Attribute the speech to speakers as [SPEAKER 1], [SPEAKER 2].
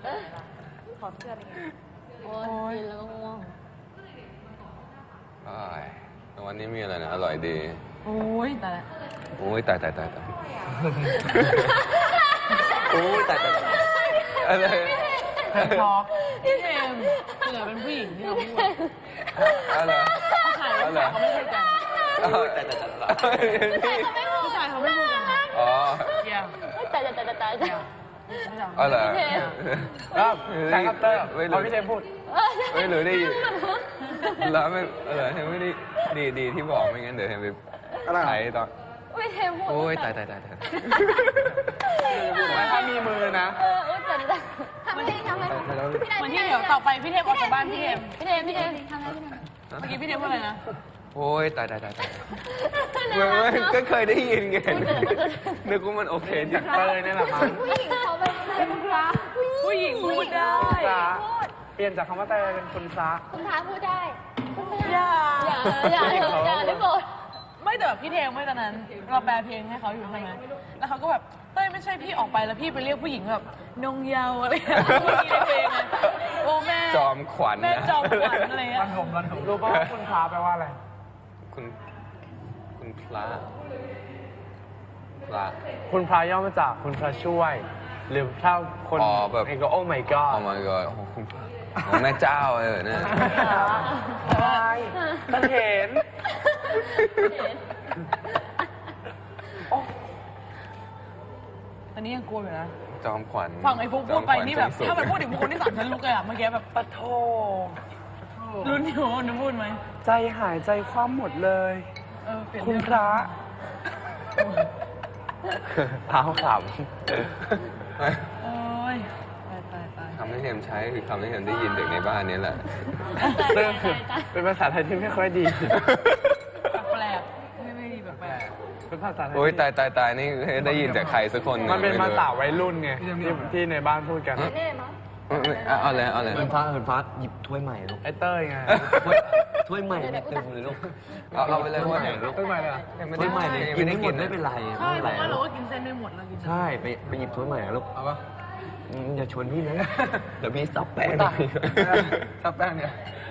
[SPEAKER 1] ขอเสื้ออะไรเงี้ย
[SPEAKER 2] โอ้ยกินแล้วก็ง่วง
[SPEAKER 3] วันนี้มีอะไรนะอร่อยดี
[SPEAKER 1] โอ้ยแต่ละ
[SPEAKER 3] โอ้ยตาย
[SPEAKER 4] โอ้ยแต่
[SPEAKER 3] อะไร
[SPEAKER 1] เพิ่มทอกพี่เทมเผื่อเป็นผู้หญิงที่เราพูด
[SPEAKER 3] อะไร
[SPEAKER 1] ผู้ชายเขาไม่พูดกัน
[SPEAKER 4] แต่
[SPEAKER 1] ผู้ชายเขาไม่พูดกัน
[SPEAKER 3] อ๋อ
[SPEAKER 1] เยี่ยม
[SPEAKER 2] แต่
[SPEAKER 3] อะไร
[SPEAKER 4] ครับใช้คัตเตอร์พอพี่เทมพูด
[SPEAKER 3] ไม่รู้ได้ยินแล้วไม่ไม่ได้ดีที่บอกไม่งั้นเดี๋ยวเห็นไปใช้ตอน
[SPEAKER 2] ไม่เทมพูด
[SPEAKER 3] โอ้ยตาย
[SPEAKER 4] ถ้ามีมือนะ
[SPEAKER 2] แต่ทำให้
[SPEAKER 1] วันที่เดี๋ยวต่อไปพี่เทมออกจากบ้านพี่เทม
[SPEAKER 2] พี่เทมทำให้พี่เทม
[SPEAKER 1] เมื่อกี้พี่เทมพูดอะไรนะ
[SPEAKER 3] โอ้ยตายไม่ก็เคยได้ยินไงนึกว่ามันโอเคจริง
[SPEAKER 4] เลยนี่แหละมั้ง
[SPEAKER 2] ผู้หญิงเขาเป็นคุณพระ
[SPEAKER 1] ผู้หญิงพูดได้
[SPEAKER 4] เปลี่ยนจากคำว่าแต่เป็นคุณพระ
[SPEAKER 2] คุณพระพูดได้
[SPEAKER 1] อย่า
[SPEAKER 2] อย่าได้โปรด
[SPEAKER 1] ไม่แต่แบบพี่เทมไม่ตอนนั้นเราแปลเพลงให้เขาอยู่ใช่ไหมแล้วเขาก็แบบเต้ยไม่ใช่พี่ออกไปแล้วพี่ไปเรียกผู้หญิงแบบนงเยาอะไรอย่างเงี้ยเมื่อกี้ในเพลงอะโอ้แม่
[SPEAKER 3] จอมขวัญ
[SPEAKER 1] แม่จอมขวัญอะไรเงี้ย
[SPEAKER 4] รู้ป่ะว่าคุณพระแปลว่าอะไร
[SPEAKER 3] คุณพระ
[SPEAKER 4] คุณพระย่อมาจากคุณพระช่วย หรือถ้าคนเองก็โอ้ my god
[SPEAKER 3] โอ้ my god โอ้คุณพระแม่เจ้าเนี่ย
[SPEAKER 4] ใช่ตะเห็น
[SPEAKER 1] ตอนนี้ยังกลัวอยู่นะ
[SPEAKER 3] จอมขวัญ
[SPEAKER 1] ฟังไอ้ฟุกพูดไปนี่แบบถ้ามันพูดถึงบุคคลที่สามฉันลุกเลยอะเมื่อกี้แบบ
[SPEAKER 4] ปะโท
[SPEAKER 1] รุ่นอยู่นึกพูดไหม
[SPEAKER 4] ใจหายใจคว่ำหมดเลย
[SPEAKER 1] เปลี่ยน
[SPEAKER 4] คุณพระเท้าข
[SPEAKER 1] โอ้ยตาย
[SPEAKER 3] คำที่เทมใช้คือคำที่เทมได้ยินจากในบ้านนี้แหละ
[SPEAKER 4] ำซึ่งเป็นภาษาไทยที่ไม่ค่อยดี
[SPEAKER 1] แปลกไม่ดีแปลก
[SPEAKER 4] เป็นภาษาไทย
[SPEAKER 3] โอ้ยตายนี่ได้ยินจากใครสักคน
[SPEAKER 4] มันเป็นภาษาวัยรุ่นไงที่ในบ้านพูดกัน
[SPEAKER 2] แน่มั้ง
[SPEAKER 3] เอาเลย
[SPEAKER 5] เหินฟ้าหยิบถ้วยใหม่ลูก
[SPEAKER 4] ไอ้เต้ยไง
[SPEAKER 5] ถ้วยใหม่ไม่เต็มเลยลูก
[SPEAKER 3] เอาไปเลยว่า
[SPEAKER 4] เต้ยใหม่เลย
[SPEAKER 5] ถ้วยใหม่เนี่ยกินไม่หมดไม่เป็นไร
[SPEAKER 1] ใช่
[SPEAKER 5] ไม่
[SPEAKER 1] เพ
[SPEAKER 5] เป็นไร
[SPEAKER 1] ราะว่าเราก็กินเส้นไม่หมดเรากิน
[SPEAKER 5] ใช่ไปหยิบถ้วยใหม่อะลูก
[SPEAKER 4] เอาปะ
[SPEAKER 5] อย่าชวนพี่นะเดี๋ยวพี่สับแป้ง
[SPEAKER 4] ซับแป้งเนี่ย